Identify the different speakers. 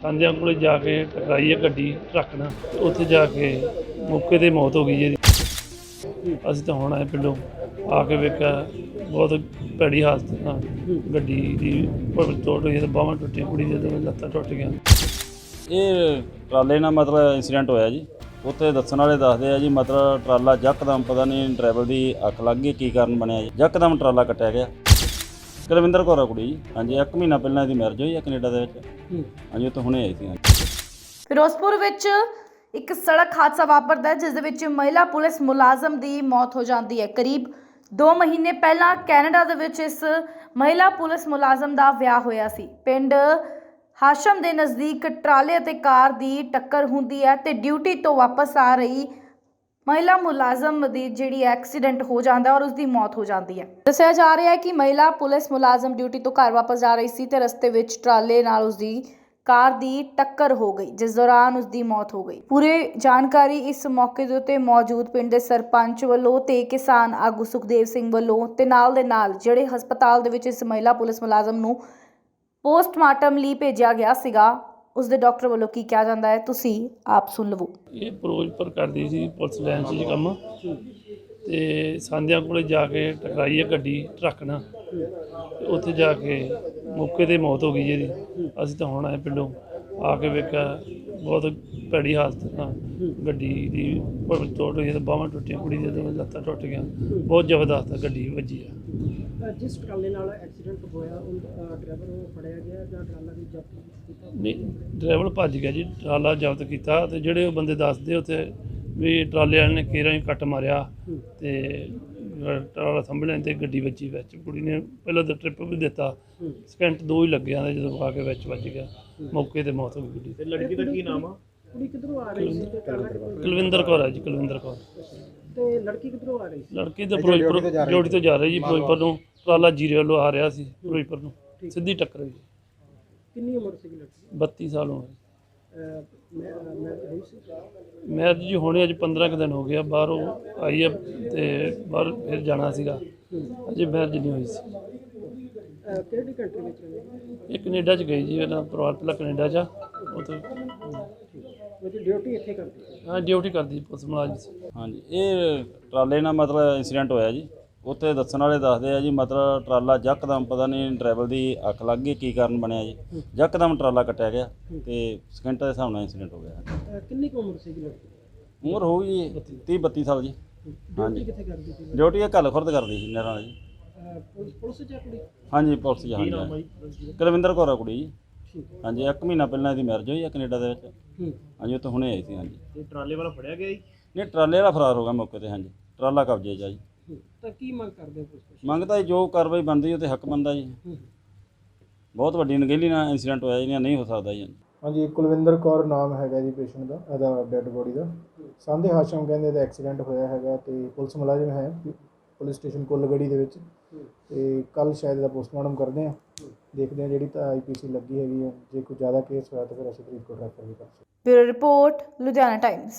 Speaker 1: ਸਾਂਝਿਆਂ ਕੋਲ ਜਾ ਕੇ ਟਕਰਾਈ ਹੈ ਗੱਡੀ ਟਰੱਕ ਨਾਲ। ਉੱਥੇ ਜਾ ਕੇ ਮੌਕੇ 'ਤੇ ਮੌਤ ਹੋ ਗਈ ਜੀ ਇਹਦੀ। ਅਸੀਂ ਤਾਂ ਹੁਣ ਆਏ ਪਿੰਡੋਂ, ਆ ਕੇ ਵੇਖਿਆ ਬਹੁਤ ਭੈੜੀ ਹਾਲਤ ਨਾਲ ਗੱਡੀ ਦੀ ਟੁੱਟ ਹੋਈ, ਬਾਹਾਂ ਟੁੱਟੀਆਂ, ਕੁੜੀ ਦੀਆਂ ਦੋਵੇਂ ਲੱਤਾਂ ਟੁੱਟ ਗਈਆਂ।
Speaker 2: ਇਹ ਟਰਾਲੇ ਨਾਲ ਮਤਲਬ ਇੰਸੀਡੈਂਟ ਹੋਇਆ ਜੀ। ਉੱਥੇ ਦੱਸਣ ਵਾਲੇ ਦੱਸਦੇ ਆ ਜੀ, ਮਤਲਬ ਟਰਾਲਾ ਯਕਦਮ ਪਤਾ ਨਹੀਂ ਡਰਾਈਵਰ ਦੀ ਅੱਖ ਲੱਗ ਗਈ, ਕੀ ਕਾਰਨ ਬਣਿਆ ਜੀ, ਯਕਦਮ ਟਰਾਲਾ ਕੱਟਿਆ ਗਿਆ। ਕੁਲਵਿੰਦਰ ਕੌਰ ਆ ਕੁੜੀ ਜੀ। ਹਾਂਜੀ, 1 ਮਹੀਨਾ ਪਹਿਲਾਂ ਇਹਦੀ ਮੈਰਿਜ ਹੋਈ ਆ ਕੈਨੇਡਾ ਦੇ ਵਿੱਚ। ਹਾਂਜੀ, ਉੱਥੇ ਹੁਣੇ ਆਈ ਸੀ।
Speaker 3: ਫਿਰੋਜ਼ਪੁਰ ਵਿੱਚ ਇੱਕ ਸੜਕ ਹਾਦਸਾ ਵਾਪਰਦਾ ਹੈ, ਜਿਸ ਦੇ ਵਿੱਚ ਮਹਿਲਾ ਪੁਲਿਸ ਮੁਲਾਜ਼ਮ ਦੀ ਮੌਤ ਹੋ ਜਾਂਦੀ ਹੈ। ਕਰੀਬ 2 ਮਹੀਨੇ ਪਹਿਲਾਂ ਕੈਨੇਡਾ ਦੇ ਵਿੱਚ ਇਸ ਮਹਿਲਾ ਪੁਲਿਸ ਮੁਲਾਜ਼ਮ ਦਾ ਵਿਆਹ ਹੋਇਆ ਸੀ। ਪਿੰਡ ਹਾਸ਼ਮ ਦੇ ਨਜ਼ਦੀਕ ਟਰਾਲੇ ਅਤੇ ਕਾਰ ਦੀ ਟੱਕਰ ਹੁੰਦੀ ਹੈ ਤੇ ਡਿਊਟੀ ਤੋਂ ਵਾਪਸ ਆ ਰਹੀ ਮਹਿਲਾ ਮੁਲਾਜ਼ਮ ਦੀ ਜਿਹੜੀ ਐਕਸੀਡੈਂਟ ਹੋ ਜਾਂਦਾ ਔਰ ਉਸ ਦੀ ਮੌਤ ਹੋ ਜਾਂਦੀ ਹੈ। ਦੱਸਿਆ ਜਾ ਰਿਹਾ ਹੈ ਕਿ ਮਹਿਲਾ ਪੁਲਿਸ ਮੁਲਾਜ਼ਮ ਡਿਊਟੀ ਤੋਂ ਘਰ ਵਾਪਸ ਜਾ ਰਹੀ ਸੀ ਤੇ ਰਸਤੇ ਵਿੱਚ ਟਰਾਲੇ ਨਾਲ ਉਸ ਦੀ ਕਾਰ ਦੀ ਟੱਕਰ ਹੋ ਗਈ, ਜਿਸ ਦੌਰਾਨ ਉਸ ਦੀ ਮੌਤ ਹੋ ਗਈ। ਪੂਰੀ ਜਾਣਕਾਰੀ ਇਸ ਮੌਕੇ ਦੇ ਉੱਤੇ ਮੌਜੂਦ ਪਿੰਡ ਦੇ ਸਰਪੰਚ ਵੱਲੋਂ ਤੇ ਕਿਸਾਨ ਆਗੂ ਸੁਖਦੇਵ ਸਿੰਘ ਵੱਲੋਂ ਤੇ ਨਾਲ ਦੇ ਨਾਲ ਜਿਹੜੇ ਹਸਪਤਾਲ ਦੇ ਵਿੱਚ ਇਸ ਮਹਿਲਾ ਪੁਲਿਸ ਮੁਲਾਜ਼ਮ ਨੂੰ ਪੋਸਟਮਾਰਟਮ ਲਈ ਭੇਜਿਆ ਗਿਆ ਸੀਗਾ, ਉਸ ਦੇ ਡਾਕਟਰ ਵੱਲੋਂ ਕੀ ਕਿਹਾ ਜਾਂਦਾ ਹੈ, ਤੁਸੀਂ ਆਪ ਸੁਣ ਲਵੋ।
Speaker 1: ਇਹ ਫਿਰੋਜ਼ਪੁਰ ਕਰਦੀ ਸੀ ਪੁਲਿਸ ਲਾਈਨ 'ਚ ਕੰਮ, ਤੇ ਸਾਂਝਿਆਂ ਕੋਲ ਜਾ ਕੇ ਟਕਰਾਈ ਹੈ ਗੱਡੀ ਟਰੱਕ ਨਾਲ। ਤੇ ਉੱਥੇ ਜਾ ਕੇ ਮੌਕੇ 'ਤੇ ਮੌਤ ਹੋ ਗਈ ਜੀ ਇਹਦੀ। ਅਸੀਂ ਤਾਂ ਹੁਣ ਆਏ ਪਿੰਡੋਂ, ਆ ਕੇ ਵੇਖਿਆ ਬਹੁਤ ਭੈੜੀ ਹਾਲਤ ਨਾਲ ਗੱਡੀ ਦੀ ਟੁੱਟ ਹੋਈ, ਬਾਹਾਂ ਟੁੱਟੀਆਂ, ਕੁੜੀ ਦੀਆਂ ਦੋਵੇਂ ਲੱਤਾਂ ਟੁੱਟ ਗਈਆਂ। ਬਹੁਤ ਜ਼ਬਰਦਸਤ ਗੱਡੀ ਵੱਜੀ ਆ।
Speaker 4: ਜਿਸ ਟਰਾਲੇ ਨਾਲ ਐਕਸੀਡੈਂਟ ਹੋਇਆ ਉਹ ਡਰਾਈਵਰ ਉਹ ਫੜਿਆ ਗਿਆ ਜਾਂ ਟਰਾਲਾ ਵੀ ਜ਼ਬਤ ਕੀਤਾ?
Speaker 1: ਨਹੀਂ, ਡਰਾਈਵਰ ਭੱਜ ਗਿਆ ਜੀ, ਟਰਾਲਾ ਜ਼ਬਤ ਕੀਤਾ। ਤੇ ਜਿਹੜੇ ਉਹ ਬੰਦੇ ਦੱਸਦੇ ਉੱਥੇ ਵੀ ਟਰਾਲੇ ਵਾਲੇ ਨੇ ਕੇਰਾਂ ਹੀ ਕੱਟ ਮਾਰਿਆ ਤੇ ਟਰਾਲਾ ਸੰਭਲਿਆ ਤੇ ਗੱਡੀ ਵੱਜੀ ਵਿੱਚ। ਕੁੜੀ ਨੇ ਪਹਿਲਾਂ ਤਾਂ ਟ੍ਰਿਪ ਵੀ ਦਿੱਤਾ, ਸਕਿੰਟ 2 ਹੀ ਲੱਗੇ ਆਂਦੇ, ਜਦੋਂ ਆ ਕੇ ਵਿੱਚ ਵੱਜ ਗਿਆ, ਮੌਕੇ 'ਤੇ ਮੌਤ ਹੋ ਗਈ ਗੱਡੀ।
Speaker 4: ਤੇ ਲੜਕੀ ਦਾ ਕੀ ਨਾਮ ਆ? ਕੁੜੀ ਕਿੱਧਰੋਂ ਆ ਰਹੀ ਸੀ ਤੇ
Speaker 1: ਕੁਲਵਿੰਦਰ ਕੌਰ ਹੈ ਜੀ, ਕੁਲਵਿੰਦਰ ਕੌਰ।
Speaker 4: ਤੇ ਲੜਕੀ ਕਿੱਧਰੋਂ ਆ ਰਹੀ ਸੀ?
Speaker 1: ਲੜਕੀ ਤਾਂ ਫਿਰੋਜ਼ਪੁਰ ਡਿਊਟੀ ਤੋਂ ਜਾ ਰਹੀ ਜੀ, ਫਿਰੋਜ਼ਪੁਰ ਨੂੰ। ਟਰਾਲਾ ਜੀਰੇ ਵੱਲੋਂ ਆ ਰਿਹਾ ਸੀ ਫਿਰੋਜ਼ਪੁਰ ਨੂੰ, ਸਿੱਧੀ ਟੱਕਰ ਹੋਈ।
Speaker 4: ਕਿੰਨੀ ਉਮਰ ਸੀ ਲੜਕੀ?
Speaker 1: 32 ਸਾਲ ਹੋ ਗਏ।
Speaker 4: ਮੈਂ ਹੋਈ ਸੀ?
Speaker 1: ਮੈਂ ਜੀ ਹੁਣੇ ਅੱਜ 15 ਕੁ ਦਿਨ ਹੋ ਗਿਆ, ਬਾਹਰੋਂ ਆਈ ਆ ਤੇ ਬਾਹਰ ਫਿਰ ਜਾਣਾ ਸੀਗਾ, ਅਜੇ ਮੈਰਿਜ ਨਹੀਂ ਹੋਈ ਸੀ।
Speaker 4: ਕਿਹੜੀ ਕੰਟਰੀ ਵਿੱਚ ਰਹੀ?
Speaker 1: ਇਹ ਕੈਨੇਡਾ 'ਚ ਗਈ ਜੀ, ਇਹਨਾਂ ਪਰਿਵਾਰ ਪਹਿਲਾਂ ਕੈਨੇਡਾ 'ਚ, ਉੱਥੇ
Speaker 4: ਮੇਰੀ ਡਿਊਟੀ ਇੱਥੇ ਕਰਦੀ ਸੀ?
Speaker 1: ਹਾਂ, ਡਿਊਟੀ ਕਰਦੀ ਪੁਲਿਸ ਮੁਲਾਜ਼ਮ ਸੀ।
Speaker 2: ਹਾਂਜੀ, ਇਹ ਟਰਾਲੇ ਨਾਲ ਮਤਲਬ ਇੰਸੀਡੈਂਟ ਹੋਇਆ ਜੀ। ਉੱਥੇ ਦੱਸਣ ਵਾਲੇ ਦੱਸਦੇ ਆ ਜੀ, ਮਤਲਬ ਟਰਾਲਾ ਯਕਦਮ ਪਤਾ ਨਹੀਂ ਡਰਾਈਵਰ ਦੀ ਅੱਖ ਲੱਗ ਗਈ, ਕੀ ਕਾਰਨ ਬਣਿਆ ਜੀ, ਯਕਦਮ ਟਰਾਲਾ ਕੱਟਿਆ ਗਿਆ ਤੇ ਸਕਿੰਟਾਂ ਦੇ ਹਿਸਾਬ ਨਾਲ ਇੰਸੀਡੈਂਟ ਹੋ ਗਿਆ।
Speaker 4: ਕਿੰਨੀ ਕੁ ਉਮਰ ਸੀ ਲੜਕੀ?
Speaker 2: ਉਮਰ ਹੋਊਗੀ ਜੀ 30-32 ਸਾਲ ਜੀ।
Speaker 4: ਡਿਊਟੀ ਕਿੱਥੇ ਕਰਦੀ ਸੀ?
Speaker 2: ਡਿਊਟੀ ਇਹ ਘੱਲ ਖੁਰਦ ਕਰਦੀ ਸੀ ਨਹਿਰਾਂ ਵਾਲੀ ਜੀ।
Speaker 4: ਪੁਲਿਸ ਚ ਆ ਕੁੜੀ?
Speaker 2: ਹਾਂਜੀ, ਪੁਲਿਸ 'ਚ। ਹਾਂਜੀ, ਕੁਲਵਿੰਦਰ ਕੌਰ ਆ ਕੁੜੀ ਜੀ। ਹਾਂਜੀ, 1 ਮਹੀਨਾ ਪਹਿਲਾਂ ਇਹਦੀ ਮੈਰਿਜ ਹੋਈ ਆ ਕੈਨੇਡਾ ਦੇ ਵਿੱਚ। ਹਾਂਜੀ, ਉੱਥੇ ਹੁਣੇ ਆਈ ਸੀ। ਹਾਂਜੀ,
Speaker 4: ਤੇ ਟਰਾਲੇ ਵਾਲਾ ਫੜਿਆ ਗਿਆ ਜੀ?
Speaker 2: ਨਹੀਂ, ਟਰਾਲੇ ਵਾਲਾ ਫਰਾਰ ਹੋ ਗਿਆ ਮੌਕੇ 'ਤੇ। ਹਾਂਜੀ, ਟਰਾਲਾ ਕਬਜ਼ੇ 'ਚ ਆ ਜੀ।
Speaker 4: ਤਾਂ ਕੀ ਮੰਗ ਕਰਦੇ ਹੋ ਪੁਲਿਸ?
Speaker 2: ਮੰਗਦਾ ਜੀ ਜੋ ਕਾਰਵਾਈ ਬਣਦੀ ਉਹ ਤੇ ਹੱਕ ਬਣਦਾ ਜੀ। ਬਹੁਤ ਵੱਡੀ ਨਗੇਲੀ ਨਾਲ ਇੰਸੀਡੈਂਟ ਹੋਇਆ ਜੀ, ਨਹੀਂ ਹੋ ਸਕਦਾ ਜੀ।
Speaker 5: ਹਾਂਜੀ, ਕੁਲਵਿੰਦਰ ਕੌਰ ਨਾਮ ਹੈਗਾ ਜੀ ਪੇਸ਼ੈਂਟ ਦਾ, ਇਹਦਾ ਡੈੱਡ ਬੋਡੀ ਦਾ। ਸਾਂਝੇ ਹਾਸ਼ਮ ਕਹਿੰਦੇ ਇਹਦਾ ਐਕਸੀਡੈਂਟ ਹੋਇਆ ਹੈਗਾ ਤੇ ਪੁਲਿਸ ਮੁਲਾਜ਼ਮ ਹੈ ਪੁਲਿਸ ਸਟੇਸ਼ਨ ਕੁੱਲਗੜੀ ਦੇ ਵਿੱਚ। ਤੇ ਕੱਲ ਸ਼ਾਇਦ ਇਹਦਾ ਪੋਸਟਮਾਰਟਮ ਕਰਦੇ ਹਾਂ, ਦੇਖਦੇ ਹਾਂ ਜਿਹੜੀ ਤਾਂ IPC ਲੱਗੀ ਹੈਗੀ ਹੈ। ਜੇ ਕੋਈ ਜ਼ਿਆਦਾ ਕੇਸ ਹੋਇਆ ਤਾਂ ਫਿਰ ਅਸੀਂ ਫਰੀਦਕੋਟ ਰੈਫਰ ਵੀ ਕਰ ਸਕਦੇ।
Speaker 3: Bureau report, Ludhiana Times.